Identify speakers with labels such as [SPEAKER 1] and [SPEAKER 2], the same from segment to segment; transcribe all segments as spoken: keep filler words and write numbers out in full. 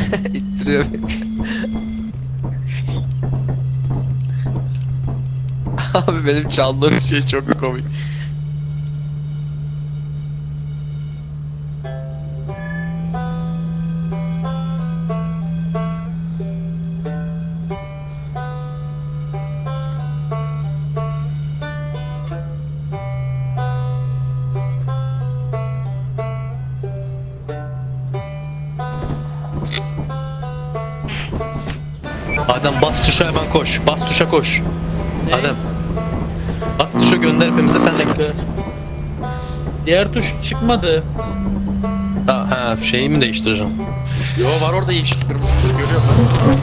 [SPEAKER 1] İttiriyor beni. Abi benim çaldığım şey çok komik.
[SPEAKER 2] Adem bas tuşa hemen koş. Bas tuşa koş.
[SPEAKER 3] Ne?
[SPEAKER 2] Adem. Bas tuşa gönder hepimize senle gel.
[SPEAKER 3] Diğer tuş çıkmadı.
[SPEAKER 2] Ha, ha şeyi mi değiştireceğim?
[SPEAKER 1] Yo var orada yeşil kırmızı tuş görüyor musun?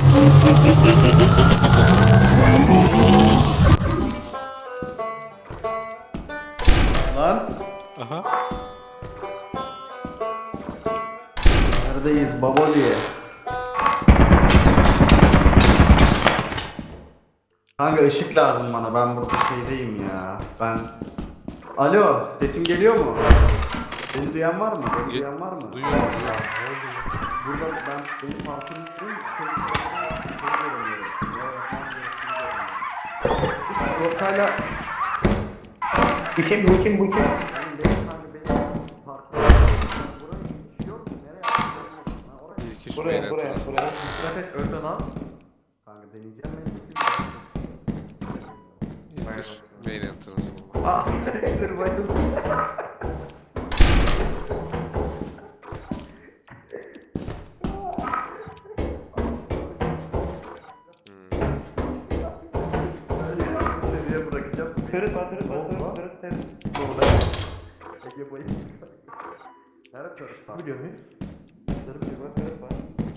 [SPEAKER 4] Lan
[SPEAKER 1] Aha.
[SPEAKER 4] neredeyiz Baboli? Kanka ışık lazım bana, ben burada şeydeyim ya. Ben... Alo, sesim geliyor mu? Beni duyan var mı? Beni
[SPEAKER 1] Ge-
[SPEAKER 4] duyan var mı?
[SPEAKER 1] Duyuyorum.
[SPEAKER 4] Burada ben, benim farkım üstüyüm, şey göremiyorum. Ortayla... Bu kim, bu kim, bu kim?
[SPEAKER 1] Bir kişi
[SPEAKER 4] Buraya,
[SPEAKER 1] beyler
[SPEAKER 4] buraya,
[SPEAKER 1] tanısın.
[SPEAKER 4] buraya. Dikkat et, önden al. Kanka deneyeceğim ben.
[SPEAKER 1] Bir kişi beyler tanısın.
[SPEAKER 4] Ah, dur bayıldım. Seviye bırakacağım. Kırıtma, kırıtma, kırıtma, kırıtma. Burada. Ege bayıldı. Nerede kırıtma? Biliyor muyuz? Kırıtma, kırıtma.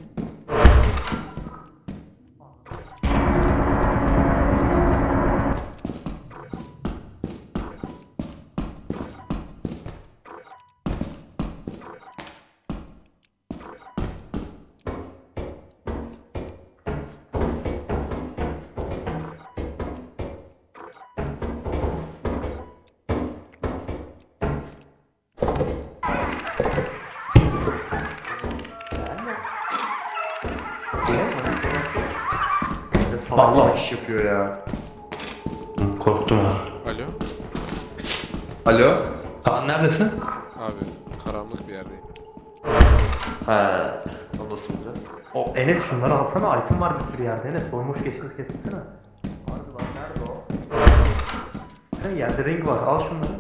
[SPEAKER 4] Allah iş yapıyor ya.
[SPEAKER 2] Korktum ha.
[SPEAKER 1] Alo.
[SPEAKER 4] Alo?
[SPEAKER 2] Kaan neredesin?
[SPEAKER 1] Abi karanlık bir yerdeyim.
[SPEAKER 4] He. Nasıl olacak?
[SPEAKER 5] O Enes şunları alsana, item var bir sürü yerde Enes, doymuş geçmiş kessene.
[SPEAKER 4] Harbi lan, nerede o?
[SPEAKER 5] Sen yerde ring var, al şunları.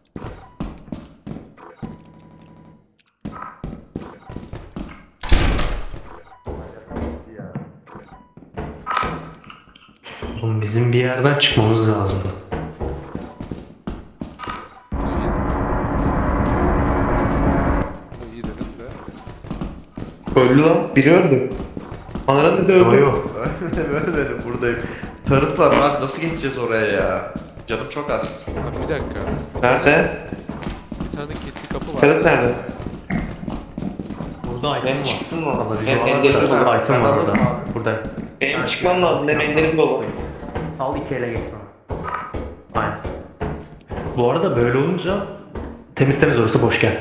[SPEAKER 4] Ya.
[SPEAKER 5] Oğlum bizim bir yerden çıkmamız lazım.
[SPEAKER 1] Bu iyi dedim de.
[SPEAKER 6] Öldü lan. Biri öldü. Anara dedi
[SPEAKER 5] Yo
[SPEAKER 6] öldü.
[SPEAKER 5] yo.
[SPEAKER 4] Öyle böyle dedim, buradayım. Tarıt var lan, nasıl geçeceğiz oraya ya? Canım çok az.
[SPEAKER 1] Abi bir dakika.
[SPEAKER 6] Nerede?
[SPEAKER 1] Bir tane kilitli kapı var.
[SPEAKER 6] Ferhat nerede?
[SPEAKER 5] Burada item
[SPEAKER 6] Ben
[SPEAKER 5] var.
[SPEAKER 6] çıktım mı?
[SPEAKER 5] Alabilir.
[SPEAKER 6] Hem enderim dolu.
[SPEAKER 5] Burada item var orada. Burada.
[SPEAKER 6] Benim çıkmam lazım. Hem enderim dolu.
[SPEAKER 5] Al iki ele geç sonra. Aynen. Bu arada böyle olunca temiz temiz orası boş gel.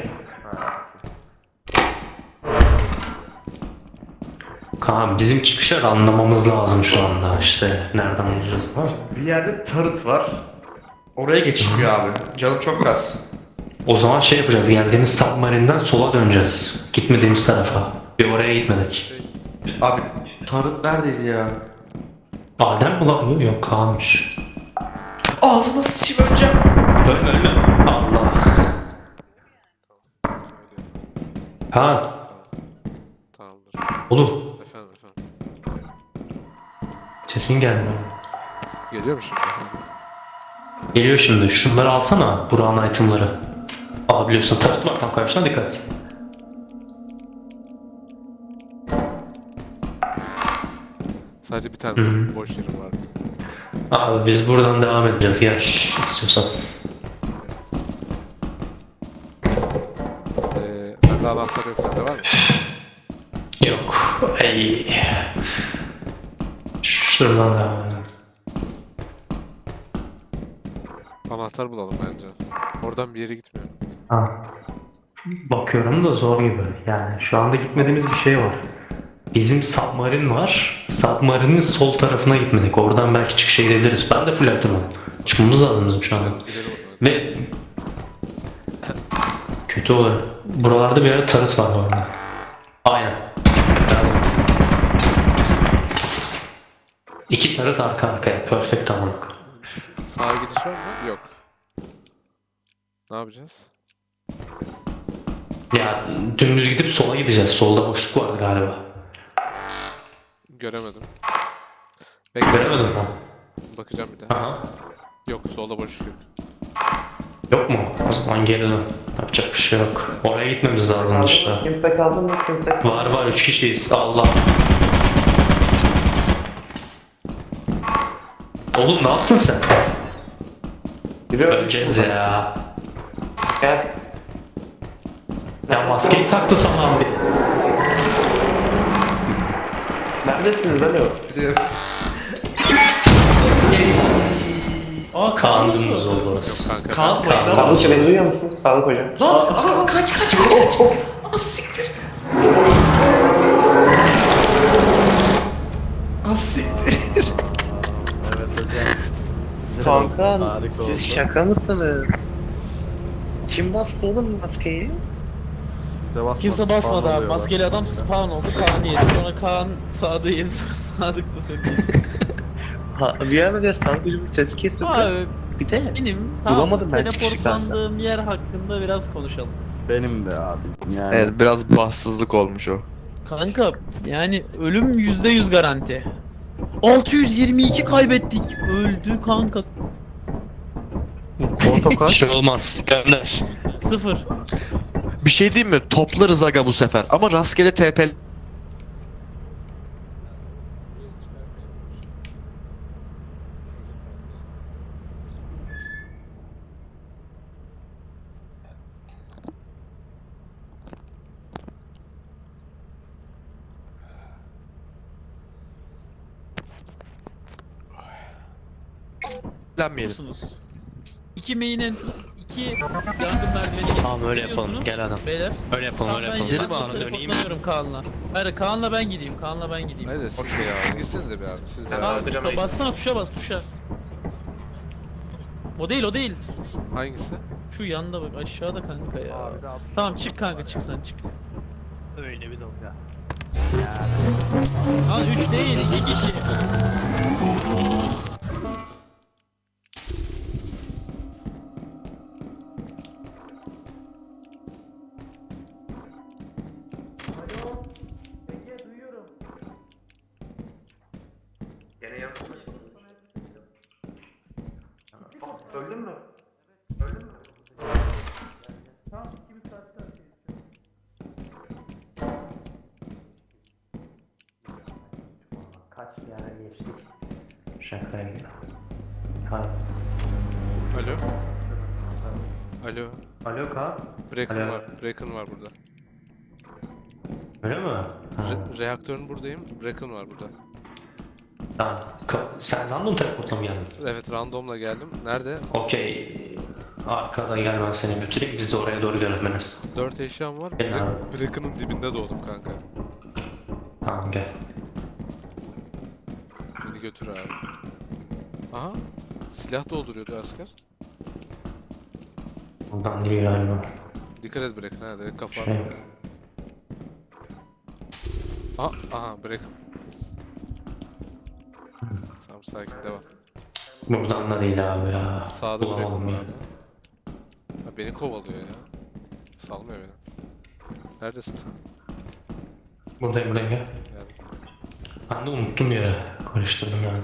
[SPEAKER 5] Kaan bizim çıkışları anlamamız lazım şu anda işte nereden bulacağız ama.
[SPEAKER 4] Bir yerde tarıt var. Oraya geçilmiyor abi. Canım çok az.
[SPEAKER 5] O zaman şey yapacağız, geldiğimiz submarine'den sola döneceğiz. Gitmediğimiz tarafa. Bir oraya gitmedik.
[SPEAKER 1] Şey,
[SPEAKER 4] Abi tarıt neredeydi ya?
[SPEAKER 5] Adem mi lan? Yok Kaan'mış.
[SPEAKER 4] Ağzıma sıçayım öleceğim.
[SPEAKER 5] Ölme ölme. Allah. Kaan.
[SPEAKER 1] tamamdır.
[SPEAKER 5] Oğlum.
[SPEAKER 1] Efendim efendim.
[SPEAKER 5] Sesin gelmiyor.
[SPEAKER 1] Geliyor mu şimdi?
[SPEAKER 5] Geliyor şimdi. Şunları alsana. Burak'ın itemları. Aa biliyorsun tarot var tam karşına, dikkat.
[SPEAKER 1] Sadece bir tane
[SPEAKER 5] Hı.
[SPEAKER 1] boş yerim var.
[SPEAKER 5] Abi biz buradan devam edeceğiz. Gel istiyorsan.
[SPEAKER 1] Ee, bende anahtar yok, sende var mı?
[SPEAKER 5] Yok. Ey. Şuradan devam edelim.
[SPEAKER 1] Anahtar bulalım bence. Oradan bir yere gitmiyor.
[SPEAKER 5] Ha. Bakıyorum da zor gibi. Yani şu anda gitmediğimiz bir şey var. Bizim submarin var. Submarinin sol tarafına gitmedik. Oradan belki çıkışa gidebiliriz. Ben de full atımım. Çıkmamız lazım bizim şu anda.
[SPEAKER 1] Gidelim o zaman.
[SPEAKER 5] Ve kötü olur. Buralarda bir yerde tarıs var bu arada. Aynen. Mesela İki tarıt arka arkaya. Perfect tamamlık.
[SPEAKER 1] S- Sağa gidiş var mı? Yok. Ne yapacağız?
[SPEAKER 5] Ya dümdüz gidip sola gideceğiz. Solda boşluk var galiba.
[SPEAKER 1] Göremedim. Beklesene.
[SPEAKER 5] Göremedim mi?
[SPEAKER 1] Bakacağım bir daha.
[SPEAKER 5] Aha.
[SPEAKER 1] Yok, solda boşluk yok.
[SPEAKER 5] Yok mu? O zaman geri dön. Yapacak bir şey yok. Oraya gitmemiz lazım işte.
[SPEAKER 4] Kimse kaldı mı? Kimse kaldı.
[SPEAKER 5] Var var üç kişiyiz. Allah. Oğlum ne yaptın sen? Öleceğiz ya.
[SPEAKER 6] Gel.
[SPEAKER 5] Ya maskeyi taktı sana abi.
[SPEAKER 6] Neredesiniz alo?
[SPEAKER 3] Aa
[SPEAKER 5] Kaan
[SPEAKER 3] Kaan
[SPEAKER 5] dümdüz oldu
[SPEAKER 1] Yok
[SPEAKER 5] orası.
[SPEAKER 1] kanka.
[SPEAKER 2] Kaan
[SPEAKER 1] ben-
[SPEAKER 2] oyna.
[SPEAKER 6] Sağlık beni duyuyor musun? Sağlık hocam.
[SPEAKER 2] Lan aa, kaç kaç kaç kaç. Aa siktir. Aa siktir.
[SPEAKER 6] Kanka siz şaka mısınız? Kim bastı oğlum maskeyi?
[SPEAKER 3] kimse basmadı abi. Maskeli adam spawn oldu. Kaan yedi. Sonra Kaan Sadık'ı yedi. Sonra Sadık da söyledi.
[SPEAKER 6] Ha, bir ara bir sağlık hocam ses kesildi.
[SPEAKER 3] Abi
[SPEAKER 6] Bir de
[SPEAKER 3] benim
[SPEAKER 6] Bulamadım ben çıkışı
[SPEAKER 3] teleportlandığım yer hakkında biraz konuşalım.
[SPEAKER 7] Benim de abi. Yani
[SPEAKER 8] Evet biraz bahtsızlık olmuş o.
[SPEAKER 3] Kanka yani ölüm yüzde yüz garanti. altı yüz yirmi iki kaybettik. Öldü kanka.
[SPEAKER 8] Portakal.
[SPEAKER 2] Bir şey olmaz. Gönder.
[SPEAKER 3] Sıfır.
[SPEAKER 8] Bir şey diyeyim mi? Toplarız aga bu sefer. Ama rastgele T P. Lenmeyelim.
[SPEAKER 3] Musunuz? İki main entry, iki yangın merdiveni.
[SPEAKER 5] Tamam öyle yapalım.
[SPEAKER 3] Geliyorsunuz.
[SPEAKER 5] Gel adam.
[SPEAKER 3] Beyler.
[SPEAKER 5] Öyle yapalım
[SPEAKER 3] Tamam,
[SPEAKER 5] öyle
[SPEAKER 3] ben
[SPEAKER 5] yapalım.
[SPEAKER 3] gidelim
[SPEAKER 5] Ben
[SPEAKER 3] abi.
[SPEAKER 5] sonra döneyim.
[SPEAKER 3] Teleportlanıyorum Kaan'la. Hayır Kaan'la ben gideyim. Kaan'la ben gideyim.
[SPEAKER 1] Hayır siz, siz gitsenize bir abi. Siz
[SPEAKER 6] Ben
[SPEAKER 1] beraber.
[SPEAKER 6] hocam,
[SPEAKER 3] Kaan, bassana tuşa bas tuşa. O değil o değil.
[SPEAKER 1] Hangisi?
[SPEAKER 3] Şu yanda bak aşağıda kanka ya. Tamam çık kanka çık sen çık.
[SPEAKER 5] Öyle bir dalga.
[SPEAKER 3] Lan üç değil iki kişi.
[SPEAKER 4] Öldün mü?
[SPEAKER 5] Kaç yere geçtik. Şakaydı. Kaan.
[SPEAKER 1] Alo. Alo.
[SPEAKER 5] Alo Kaan.
[SPEAKER 1] Bracken
[SPEAKER 5] Alo.
[SPEAKER 1] var. Bracken var burada.
[SPEAKER 5] Öyle mi? Ha.
[SPEAKER 1] Re- reaktörün buradayım. Bracken var burada.
[SPEAKER 5] Tamam. Ka- Sen random teleportla mı geldin?
[SPEAKER 1] Evet, randomla geldim. Nerede?
[SPEAKER 5] Okey. Arkada gel ben seni götüreyim. Biz de oraya doğru yönetmeniz.
[SPEAKER 1] Dört eşyam var.
[SPEAKER 5] Gel
[SPEAKER 1] Bra-
[SPEAKER 5] abi.
[SPEAKER 1] Bracken'ın dibinde doğdum kanka.
[SPEAKER 5] Tamam gel.
[SPEAKER 1] Beni götür abi. Aha. Silah dolduruyordu asker.
[SPEAKER 5] Buradan değil galiba.
[SPEAKER 1] Dikkat et Bracken. Ha, direkt kafa
[SPEAKER 5] Şey.
[SPEAKER 1] atma. Aha, aha Bracken. Tamam, sakin devam.
[SPEAKER 5] Buradan da değil abi ya.
[SPEAKER 1] Sağda
[SPEAKER 5] Bulamadım
[SPEAKER 1] Bracken var.
[SPEAKER 5] ya.
[SPEAKER 1] Ha, beni kovalıyor ya. Salmıyor beni. Neredesin sen?
[SPEAKER 5] Buradayım buradayım gel.
[SPEAKER 1] Yani.
[SPEAKER 5] Ben de unuttum yere. Karıştırdım yani.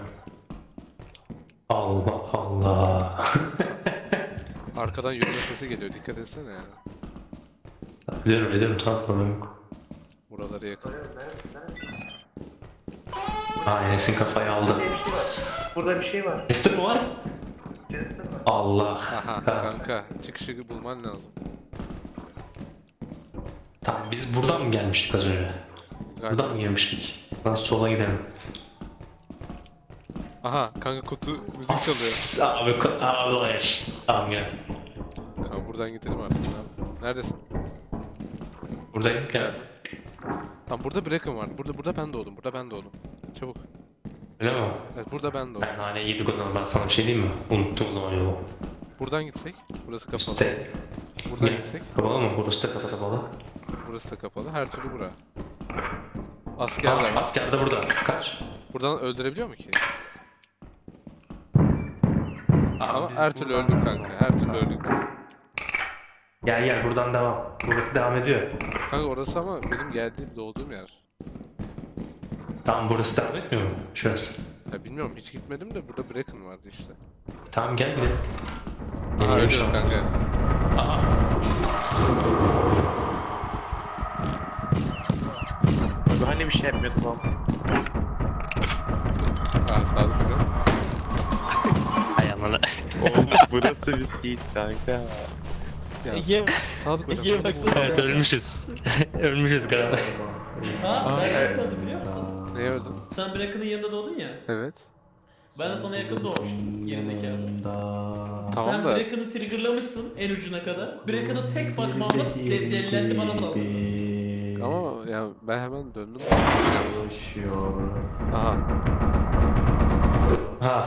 [SPEAKER 5] Allah Allah.
[SPEAKER 1] Arkadan yürüme sesi geliyor. Dikkat etsene ya.
[SPEAKER 5] biliyorum biliyorum tamam problem yok.
[SPEAKER 1] Buraları yakın.
[SPEAKER 5] Ha Enes'in kafayı aldı.
[SPEAKER 6] Burada bir şey var.
[SPEAKER 5] Tester mi var? Allah.
[SPEAKER 1] Aha
[SPEAKER 5] Ha.
[SPEAKER 1] kanka. Çıkışı bulman lazım.
[SPEAKER 5] Tamam biz buradan mı gelmiştik az önce?
[SPEAKER 1] Galiba.
[SPEAKER 5] Buradan mı girmiştik? Nasıl sola gidelim?
[SPEAKER 1] Aha kanka kutu müzik çalıyor.
[SPEAKER 5] Abi, ko- abi hayır. Tamam gel.
[SPEAKER 1] Kanka buradan gidelim artık abi. Neredesin?
[SPEAKER 5] Buradayım gel.
[SPEAKER 1] Geldim. Tamam burada Bracken var. Burada burada ben doğdum. Burada ben doğdum. Çabuk.
[SPEAKER 5] Öyle mi?
[SPEAKER 1] Evet burada ben doğdum.
[SPEAKER 5] Ben hala yedik o zaman. Ben sana bir şey diyeyim mi? Unuttum o zaman yolu.
[SPEAKER 1] Buradan gitsek. Burası kapalı.
[SPEAKER 5] İşte.
[SPEAKER 1] Buradan
[SPEAKER 5] Ne?
[SPEAKER 1] gitsek.
[SPEAKER 5] Kapalı mı? Burası da kapalı.
[SPEAKER 1] Burası da kapalı. Her türlü bura. Asker de
[SPEAKER 5] Aa,
[SPEAKER 1] var.
[SPEAKER 5] asker de burada. Kaç?
[SPEAKER 1] Buradan öldürebiliyor mu ki?
[SPEAKER 5] Aa,
[SPEAKER 1] Ama
[SPEAKER 5] biz
[SPEAKER 1] her türlü
[SPEAKER 5] buradan-
[SPEAKER 1] öldük kanka. Her türlü öldük biz.
[SPEAKER 5] Gel gel buradan devam. Burası devam ediyor.
[SPEAKER 1] Kanka orası ama benim geldiğim doğduğum yer.
[SPEAKER 5] Tamam burası devam etmiyor mu? Şurası.
[SPEAKER 1] Ya bilmiyorum hiç gitmedim de burada Bracken vardı işte.
[SPEAKER 5] Tamam gel gidelim.
[SPEAKER 1] Aha
[SPEAKER 5] Yeni
[SPEAKER 1] ölüyoruz
[SPEAKER 5] şans.
[SPEAKER 1] kanka.
[SPEAKER 5] Aa.
[SPEAKER 6] Abi hani bir şey yapmıyordum ama.
[SPEAKER 1] Aa sağlık hocam.
[SPEAKER 5] Hay amına.
[SPEAKER 6] Oğlum burası biz değil kanka.
[SPEAKER 1] Ya
[SPEAKER 3] Ege,
[SPEAKER 1] sağlık hocam.
[SPEAKER 3] Ege'ye baksana.
[SPEAKER 5] Evet ölmüşüz. ölmüşüz galiba.
[SPEAKER 3] Ha, ben yakaladım biliyor musun?
[SPEAKER 1] Neye öldün?
[SPEAKER 3] Sen Bracken'ın yanında doğdun ya.
[SPEAKER 1] Evet.
[SPEAKER 3] Ben de sana yakın doğmuştum. Gerizekalı.
[SPEAKER 1] Tamam
[SPEAKER 3] Sen
[SPEAKER 1] da
[SPEAKER 3] Bracken'ı triggerlamışsın en ucuna kadar. Bracken'ı tek bakmamla de delilendi bana saldırdın.
[SPEAKER 1] ama ya ben hemen döndüm.
[SPEAKER 7] Yaşıyor.
[SPEAKER 1] Aha.
[SPEAKER 5] Ha.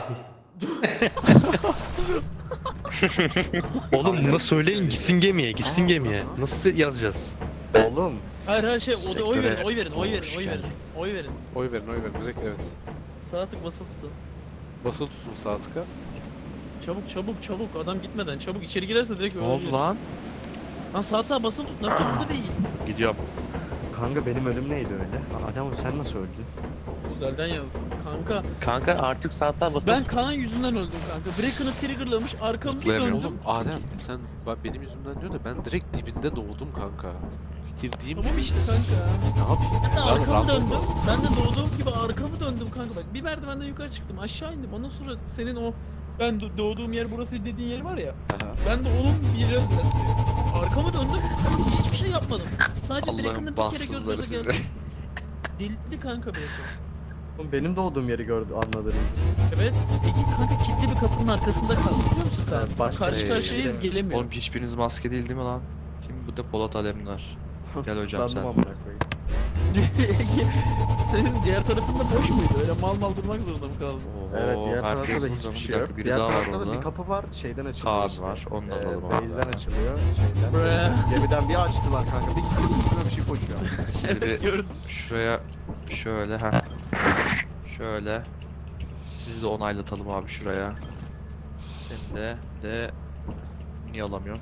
[SPEAKER 5] Oğlum buna söyleyin gitsin gemiye, gitsin gemiye. Nasıl yazacağız?
[SPEAKER 7] Oğlum.
[SPEAKER 3] Hayır her şey o da oy
[SPEAKER 8] Sektöre
[SPEAKER 3] verin, oy verin, oy verin,
[SPEAKER 8] hoş
[SPEAKER 3] oy verin.
[SPEAKER 8] geldin.
[SPEAKER 3] Oy verin.
[SPEAKER 1] Oy verin oy verin direkt evet.
[SPEAKER 3] Sağ tık basılı tutun.
[SPEAKER 1] Basılı tutun sağ tıka.
[SPEAKER 3] Çabuk çabuk çabuk adam gitmeden çabuk içeri girerse direkt
[SPEAKER 8] Ne
[SPEAKER 3] ölür.
[SPEAKER 8] oldu lan?
[SPEAKER 3] Lan sağ tığa basılı tut. Nasıl burada değil?
[SPEAKER 8] Gidiyorum.
[SPEAKER 7] Kanka benim ölüm neydi öyle? Adem sen nasıl öldün?
[SPEAKER 3] Özelden yazdım. Kanka
[SPEAKER 6] Kanka artık saatler basıp
[SPEAKER 3] ben Kaan yüzünden öldüm kanka. Bracken'ı triggerlamış arkamı bir
[SPEAKER 8] Zıplayamıyorum.
[SPEAKER 3] döndüm.
[SPEAKER 1] Oğlum Adem sen bak benim yüzümden diyor da ben direkt dibinde doğdum kanka. Girdiğim
[SPEAKER 3] Tamam
[SPEAKER 1] gibi
[SPEAKER 3] işte kanka.
[SPEAKER 1] ne yapayım?
[SPEAKER 3] Ben de
[SPEAKER 1] Lan
[SPEAKER 3] arkamı
[SPEAKER 1] random
[SPEAKER 3] döndüm.
[SPEAKER 1] oldu.
[SPEAKER 3] Ben de doğduğum gibi arkamı döndüm kanka bak. Bir merdivenden yukarı çıktım. Aşağı indim. Ondan sonra senin o ben do- doğduğum yer burası dediğin yer var ya.
[SPEAKER 1] Aha.
[SPEAKER 3] Ben de onun biraz biraz arkamı döndüm. Hiçbir şey yapmadım. Sadece Bracken'ın
[SPEAKER 8] Allah'ın
[SPEAKER 3] bir kere
[SPEAKER 8] bahtsızları
[SPEAKER 3] göz göze
[SPEAKER 8] size.
[SPEAKER 3] geldi. Delirdi kanka Bracken.
[SPEAKER 7] Oğlum benim doğduğum yeri gördü anladınız mı siz?
[SPEAKER 3] Evet. Eki kanka kilitli bir kapının arkasında kaldı biliyor musun sen?
[SPEAKER 7] Evet, başka
[SPEAKER 3] Karşı
[SPEAKER 1] yere
[SPEAKER 3] karşıyayız
[SPEAKER 7] gidemiyorum.
[SPEAKER 3] gelemiyor.
[SPEAKER 8] Oğlum hiçbiriniz maske değil değil mi lan? Kim bu da Polat Alemdar? Gel hocam
[SPEAKER 7] Tutuklandım
[SPEAKER 8] sen.
[SPEAKER 7] amına koyayım.
[SPEAKER 3] Ege, senin diğer tarafında boş muydu? Öyle mal mal durmak zorunda mı kaldın?
[SPEAKER 8] Oho,
[SPEAKER 7] Evet diğer tarafta
[SPEAKER 8] herkes
[SPEAKER 7] da
[SPEAKER 8] burada
[SPEAKER 7] hiçbir
[SPEAKER 8] mı?
[SPEAKER 7] şey
[SPEAKER 8] Bir
[SPEAKER 7] yok.
[SPEAKER 8] dakika biri
[SPEAKER 7] Diğer
[SPEAKER 8] daha var
[SPEAKER 7] tarafta da
[SPEAKER 8] orada.
[SPEAKER 7] bir kapı var şeyden açılıyor
[SPEAKER 8] Kaan
[SPEAKER 7] işte.
[SPEAKER 8] var, onu da
[SPEAKER 7] Ee,
[SPEAKER 8] alalım abi.
[SPEAKER 7] Base'den açılıyor şeyden.
[SPEAKER 3] Bre.
[SPEAKER 7] Gemiden bir açtılar kanka bir gittim üstüme bir şey koşuyor.
[SPEAKER 8] Sizi bir
[SPEAKER 3] Gördüm.
[SPEAKER 8] şuraya şöyle ha. Şöyle. Sizi de onaylatalım abi şuraya. Seni de de niye alamıyorum?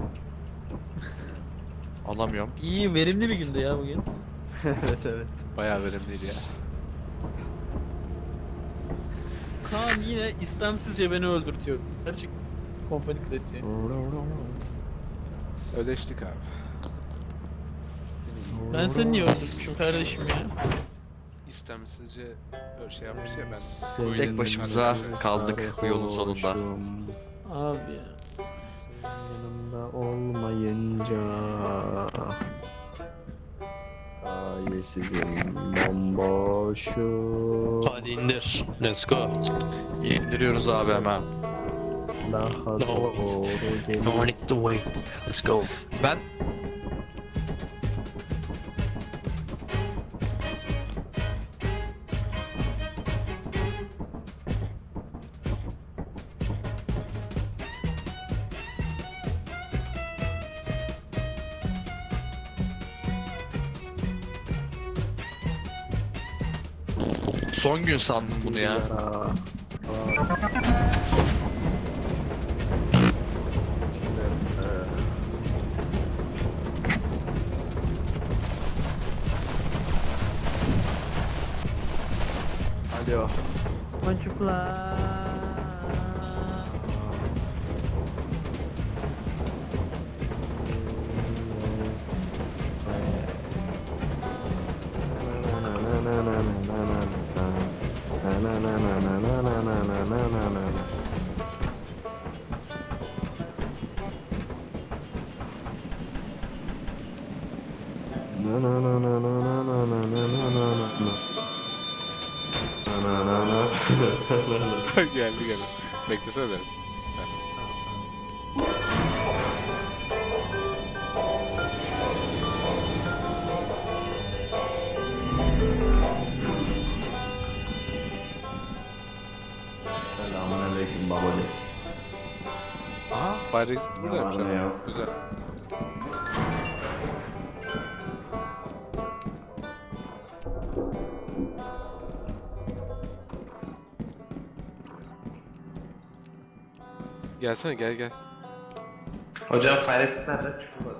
[SPEAKER 8] Alamıyorum.
[SPEAKER 3] İyi verimli bir gündü ya bugün.
[SPEAKER 7] Evet evet.
[SPEAKER 1] Bayağı verimliydi ya.
[SPEAKER 3] Kaan yine istemsizce beni öldürtüyor. Gerçek kompani klasiği.
[SPEAKER 1] Ödeştik abi.
[SPEAKER 3] Ben seni niye öldürtmüşüm kardeşim ya?
[SPEAKER 1] İstemsizce öyle şey yapmış ya ben.
[SPEAKER 7] Senin
[SPEAKER 8] Tek başımıza kaldık bu yolun sonunda.
[SPEAKER 7] sarhoşum,
[SPEAKER 3] Abi ya.
[SPEAKER 7] Yanımda olmayınca Gayesizim bomboşum.
[SPEAKER 5] Hadi indir. Let's go.
[SPEAKER 8] İndiriyoruz abi hemen.
[SPEAKER 7] Daha zor gelir.
[SPEAKER 5] No need to wait. Let's go.
[SPEAKER 8] Ben son gün sandım bunu ya.
[SPEAKER 7] Aa, Alo.
[SPEAKER 3] Çocuklar.
[SPEAKER 1] geldi geldi. Beklesene beni. Fire exit buradaymış
[SPEAKER 4] Ne var ne
[SPEAKER 1] ama.
[SPEAKER 4] yok.
[SPEAKER 1] Güzel. Gelsene gel gel.
[SPEAKER 6] Hocam fire exit nerede? Çıkmadı.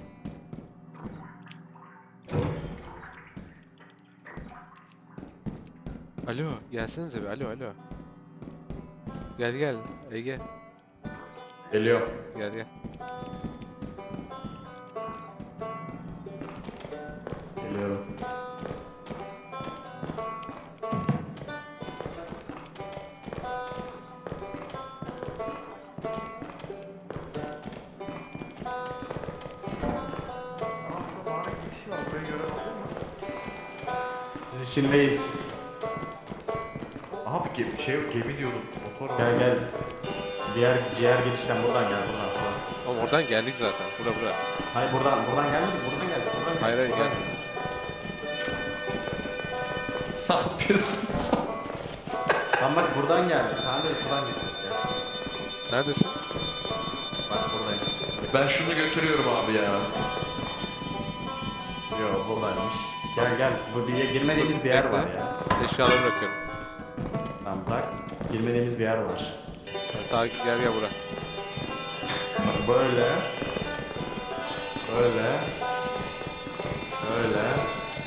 [SPEAKER 1] Alo gelsenize bir alo alo. Gel gel Ege
[SPEAKER 4] Geliyor.
[SPEAKER 1] gel gel.
[SPEAKER 4] Geliyorum.
[SPEAKER 7] Biz içindeyiz.
[SPEAKER 4] Aha bir ge- şey yok gemi diyordum. Motor var.
[SPEAKER 7] Gel gel. Diğer diğer girişten buradan gel buradan. buradan.
[SPEAKER 1] Oğlum oradan geldik zaten. Bura bura.
[SPEAKER 7] Hayır buradan buradan gelmedik buradan geldik. Buradan geldik.
[SPEAKER 1] Hayır hayır
[SPEAKER 7] buradan
[SPEAKER 1] gel.
[SPEAKER 7] geldik.
[SPEAKER 6] Ne yapıyorsun sen?
[SPEAKER 7] Tamam bak buradan geldik. Tamam da buradan gittik ya.
[SPEAKER 1] Neredesin?
[SPEAKER 7] Bak buradayım.
[SPEAKER 6] Ben şunu götürüyorum abi ya.
[SPEAKER 7] Yo buradaymış. Gel gel. Bu bir girmediğimiz bir yer var ya.
[SPEAKER 1] Eşyaları bırakıyorum.
[SPEAKER 7] Tamam bak. Girmediğimiz bir yer var.
[SPEAKER 1] Ta gel gel bura.
[SPEAKER 7] Bak böyle. Böyle. Böyle.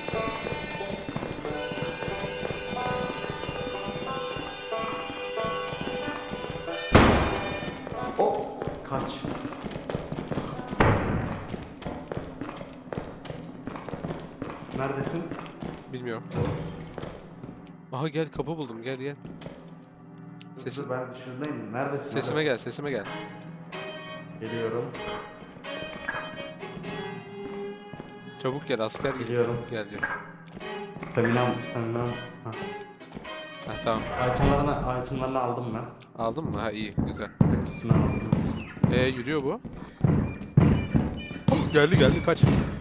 [SPEAKER 7] O kaç.
[SPEAKER 4] Neredesin?
[SPEAKER 1] Bilmiyorum. Aha gel kapı buldum gel gel. Sesim,
[SPEAKER 4] Dur, ben dışarıdayım. Neredesin?
[SPEAKER 1] sesime gel sesime gel.
[SPEAKER 7] Geliyorum.
[SPEAKER 1] Çabuk gel asker gel.
[SPEAKER 7] Geliyorum.
[SPEAKER 1] Gelecek.
[SPEAKER 7] Staminam, staminam. Ha.
[SPEAKER 1] Ha tamam.
[SPEAKER 7] Itemlarını, itemlarını aldım ben.
[SPEAKER 1] Aldın mı? Ha iyi güzel.
[SPEAKER 7] Hepsini aldım.
[SPEAKER 1] Ee yürüyor bu. Oh, geldi geldi kaç.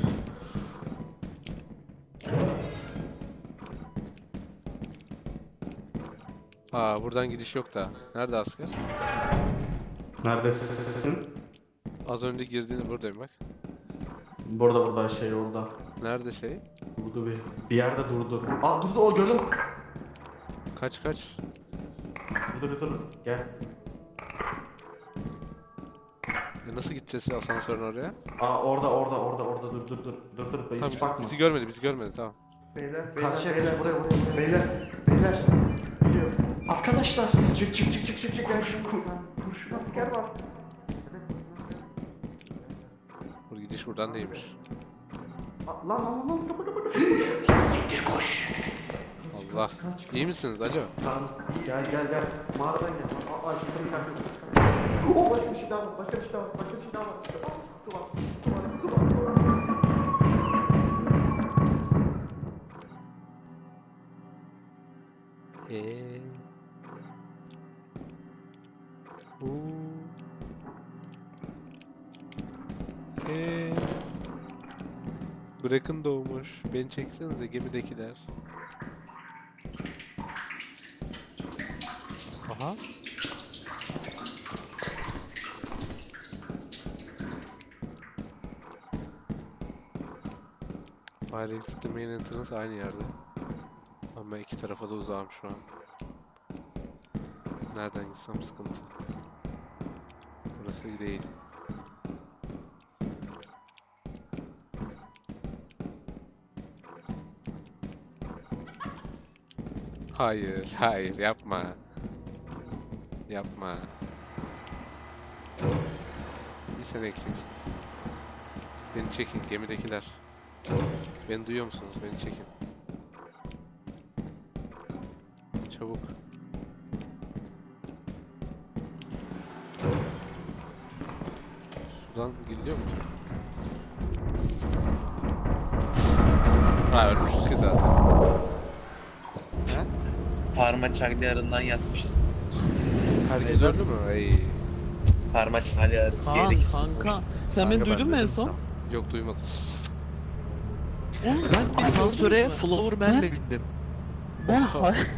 [SPEAKER 1] Aa buradan gidiş yok da. Nerede asker?
[SPEAKER 7] Neredesin?
[SPEAKER 1] Az önce girdiğini buradayım bak.
[SPEAKER 7] Burada burada şey orada.
[SPEAKER 1] Nerede şey?
[SPEAKER 7] Durdu bir. Bir yerde durdu. Aa durdu o gördüm.
[SPEAKER 1] Kaç kaç.
[SPEAKER 7] Dur dur dur. Gel.
[SPEAKER 1] Ya nasıl gideceğiz ya asansörün oraya?
[SPEAKER 7] Aa orada orada orada orada dur dur dur. Dur dur. Hiç
[SPEAKER 1] Tamam,
[SPEAKER 7] bakma.
[SPEAKER 1] bizi görmedi bizi görmedi tamam.
[SPEAKER 4] Beyler, beyler,
[SPEAKER 7] Karşıya
[SPEAKER 4] beyler,
[SPEAKER 7] geç buraya buraya.
[SPEAKER 4] beyler, beyler.
[SPEAKER 7] Geliyor.
[SPEAKER 4] Arkadaşlar, çık çık çık çık çık çık gel şu kur, kurşun asker var.
[SPEAKER 1] Bu gidiş buradan değilmiş.
[SPEAKER 4] Lan lan lan lan kapı kapı kapı.
[SPEAKER 1] Allah. İyi misiniz? Alo.
[SPEAKER 4] Tamam, gel gel gel. Mağaradan gel. Aa, aa şurada bir tane. Oo, başka bir şey daha var, başka bir şey daha var, başka bir şey daha var. Aa, kutu var, kutu var, kutu var, kutu var.
[SPEAKER 1] Eee. Oo. Eee. Bırakın doğmuş. Beni çeksenize gemidekiler. Aha. Fire exit ile main entrance aynı yerde. Ama ben iki tarafa da uzağım şu an. Nereden gitsem sıkıntı. Burası değil. Hayır, hayır yapma. Yapma. Bir sen eksiksin. Beni çekin gemidekiler. Beni duyuyor musunuz? Beni çekin. Çabuk. Sudan gidiliyor mu ki? Ha ölmüşüz ki zaten.
[SPEAKER 6] Parma Çagliyarı'ndan yazmışız.
[SPEAKER 1] Herkes öldü mü? Ey.
[SPEAKER 6] Parma Çagliyarı.
[SPEAKER 3] Kaan
[SPEAKER 6] Diğer ikisi.
[SPEAKER 3] kanka. Sen beni
[SPEAKER 7] Kanka, ben
[SPEAKER 3] duydun mu en
[SPEAKER 7] dedim
[SPEAKER 3] son?
[SPEAKER 7] sana.
[SPEAKER 1] Yok duymadım.
[SPEAKER 3] Oğlum
[SPEAKER 8] Ben asansöre Flowerman'le bindim.
[SPEAKER 3] Ben hay-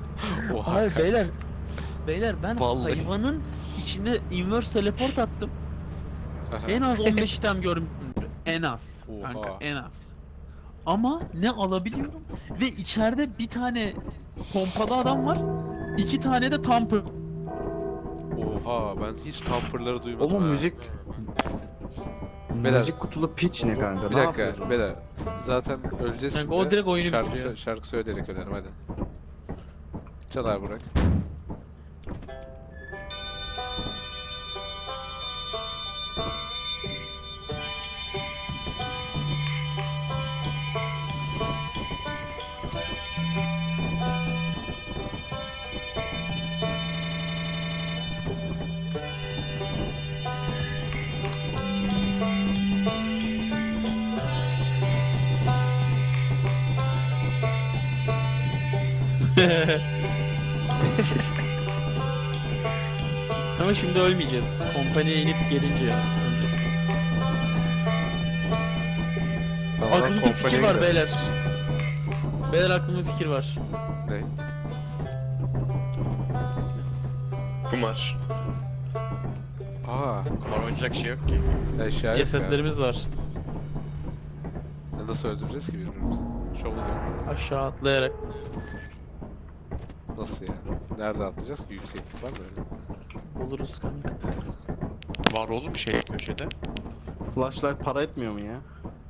[SPEAKER 1] Oha.
[SPEAKER 3] hayır
[SPEAKER 1] kanka.
[SPEAKER 3] beyler. Beyler ben
[SPEAKER 8] Vallahi.
[SPEAKER 3] hayvanın içine inverse teleport attım.
[SPEAKER 1] Aha.
[SPEAKER 3] En az on beş item görmüşsündür. En az.
[SPEAKER 1] Oha.
[SPEAKER 3] Kanka en az. Ama ne alabiliyorum ve içeride bir tane pompalı adam var. İki tane de tamper.
[SPEAKER 1] Oha ben hiç tamperları duymadım.
[SPEAKER 7] Oğlum
[SPEAKER 1] ha.
[SPEAKER 7] müzik...
[SPEAKER 1] Beyler.
[SPEAKER 7] Müzik kutulu piç ne kanka?
[SPEAKER 1] Bir
[SPEAKER 7] Ne
[SPEAKER 1] dakika
[SPEAKER 7] yapıyorsun?
[SPEAKER 1] beyler. Zaten öleceğiz
[SPEAKER 3] Kanka,
[SPEAKER 1] şimdi.
[SPEAKER 3] o direkt oyunu
[SPEAKER 1] şarkı,
[SPEAKER 3] bitiriyor.
[SPEAKER 1] sö- şarkı söyleyerek ölelim hadi. Çal abi Burak.
[SPEAKER 3] Ama şimdi ölmeyeceğiz. Kompaniye inip gelince ya. Öleceğiz.
[SPEAKER 1] Tamam,
[SPEAKER 3] Aklımda bir fikir
[SPEAKER 1] kompaniye
[SPEAKER 3] var
[SPEAKER 1] gidelim.
[SPEAKER 3] beyler. Beyler aklımda bir fikir var.
[SPEAKER 1] Ne?
[SPEAKER 6] Kumar.
[SPEAKER 1] Aa,
[SPEAKER 8] Kumar oynayacak şey yok ki.
[SPEAKER 1] eşya yok ya.
[SPEAKER 3] Cesetlerimiz var.
[SPEAKER 1] Ya Nasıl öldüreceğiz ki birbirimizi? Şovul yok.
[SPEAKER 3] Aşağı atlayarak.
[SPEAKER 1] Nasıl ya? Nerede atlayacağız ki? Yükseklik var mı öyle?
[SPEAKER 3] Oluruz kanka.
[SPEAKER 8] Var oğlum şey köşede.
[SPEAKER 7] Flashlight para etmiyor mu ya?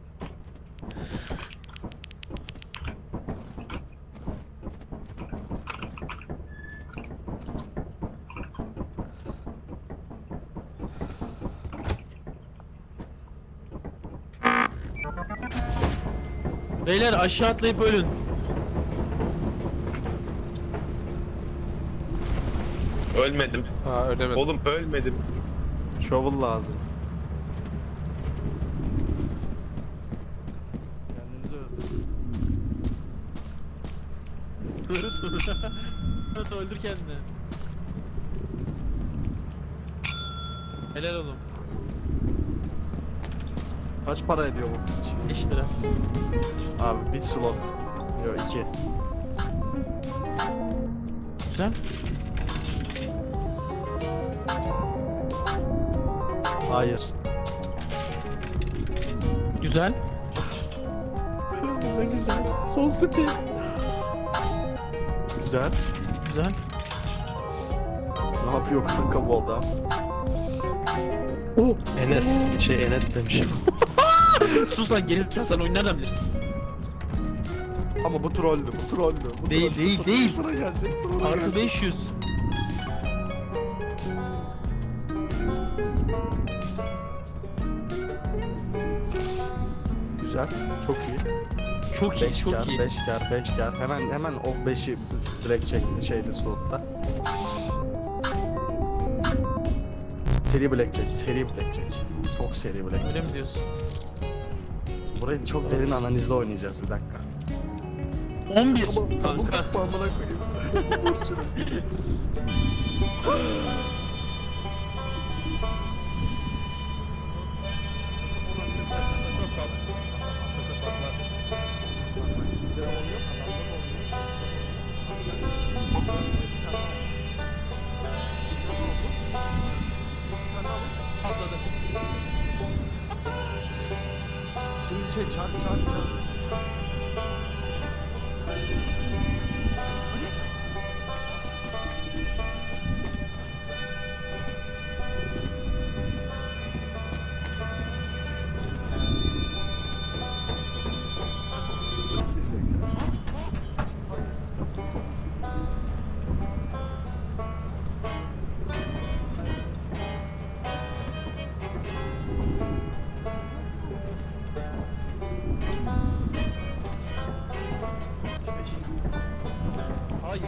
[SPEAKER 3] Beyler aşağı atlayıp ölün.
[SPEAKER 6] Ölmedim.
[SPEAKER 1] Aa ölemedim.
[SPEAKER 6] Oğlum ölmedim.
[SPEAKER 7] Shovel lazım. Kendinizi öldürün.
[SPEAKER 3] Evet öldür kendini. Helal oğlum.
[SPEAKER 7] Kaç para ediyor bu piç?
[SPEAKER 3] beş lira.
[SPEAKER 7] Abi bir slot. Yok iki.
[SPEAKER 3] Güzel.
[SPEAKER 7] Hayır.
[SPEAKER 3] Güzel.
[SPEAKER 7] Ne güzel. Son spin. Güzel.
[SPEAKER 3] Güzel.
[SPEAKER 7] Ne yapıyor kanka bu adam? Oh!
[SPEAKER 2] Enes, şey Enes demişim.
[SPEAKER 3] Sus lan gerizekalı, sen oyunu nereden bilirsin?
[SPEAKER 7] Ama bu trolldü, bu trolldü. Bu
[SPEAKER 3] Değil,
[SPEAKER 7] troll.
[SPEAKER 3] değil,
[SPEAKER 7] Sıfır-
[SPEAKER 3] değil.
[SPEAKER 7] Sıfıra gelecek, sıfıra
[SPEAKER 3] Artı
[SPEAKER 7] gelecek.
[SPEAKER 3] beş yüz.
[SPEAKER 7] Güzel, çok iyi.
[SPEAKER 3] Çok iyi,
[SPEAKER 7] beş
[SPEAKER 3] çok
[SPEAKER 7] kar,
[SPEAKER 3] iyi.
[SPEAKER 7] beş kar, beş kar. Hemen hemen o beşi direkt çekti şeyde slotta. Seri blackjack, seri blackjack. Çok seri
[SPEAKER 3] Öyle
[SPEAKER 7] blackjack.
[SPEAKER 3] mi diyorsun?
[SPEAKER 7] Burayı çok derin analizle oynayacağız bir dakika.
[SPEAKER 3] on bir
[SPEAKER 7] Tamam,
[SPEAKER 3] kanka.
[SPEAKER 7] bakma amına koyayım. Vur şunu. Şimdi şey çarp çarp çarp.
[SPEAKER 3] Hayır.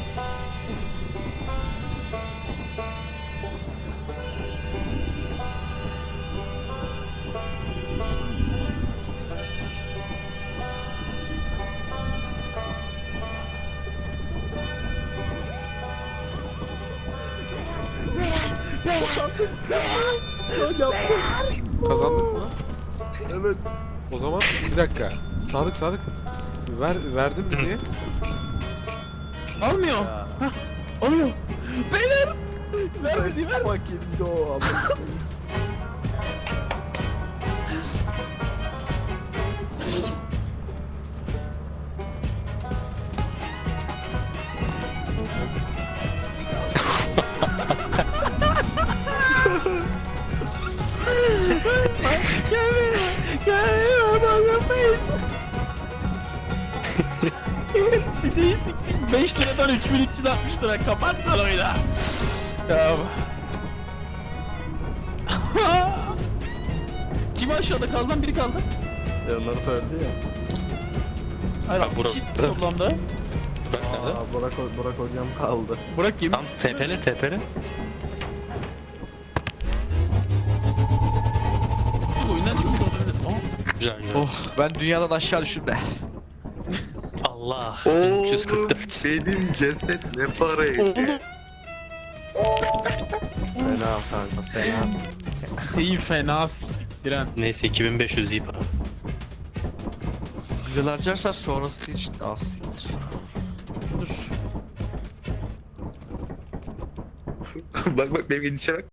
[SPEAKER 1] Kazandık mı?
[SPEAKER 7] Evet.
[SPEAKER 1] O zaman bir dakika. Sadık Sadık. Ver, verdin mi diye.
[SPEAKER 3] Almıyor.
[SPEAKER 7] Ya.
[SPEAKER 3] Almıyor. Beyler. Vermedi,
[SPEAKER 7] Let's
[SPEAKER 3] ver.
[SPEAKER 7] fucking go amına koyayım.
[SPEAKER 3] face. Sideyi siktik. beş liradan üç bin üç yüz altmış lira. Kapat lan oyunu. Ya. Kim aşağıda kaldı lan? Biri kaldı.
[SPEAKER 7] Ya Naruto öldü ya.
[SPEAKER 3] Hayır
[SPEAKER 2] Ha,
[SPEAKER 3] abi.
[SPEAKER 2] Burak-
[SPEAKER 3] iki
[SPEAKER 2] Burak.
[SPEAKER 3] toplamda.
[SPEAKER 2] Bak nerede?
[SPEAKER 7] Aa, Burak, Burak hocam kaldı.
[SPEAKER 3] Burak kim?
[SPEAKER 2] Tam tepeli tepeli.
[SPEAKER 3] Oyundan çıkmış olabilir. Aa.
[SPEAKER 2] Güzel güzel.
[SPEAKER 8] Oh ben dünyadan aşağı düştüm be.
[SPEAKER 2] Allah. bin üç yüz kırk dört.
[SPEAKER 6] Benim ceset ne para etti?
[SPEAKER 7] Fena kanka fena.
[SPEAKER 3] Siteyi fena siktik Diren.
[SPEAKER 2] Neyse iki bin beş yüz iyi para.
[SPEAKER 8] Güzel harcarsan sonrası için az siktir.
[SPEAKER 3] Dur.
[SPEAKER 6] Bak bak benim gidişe bak.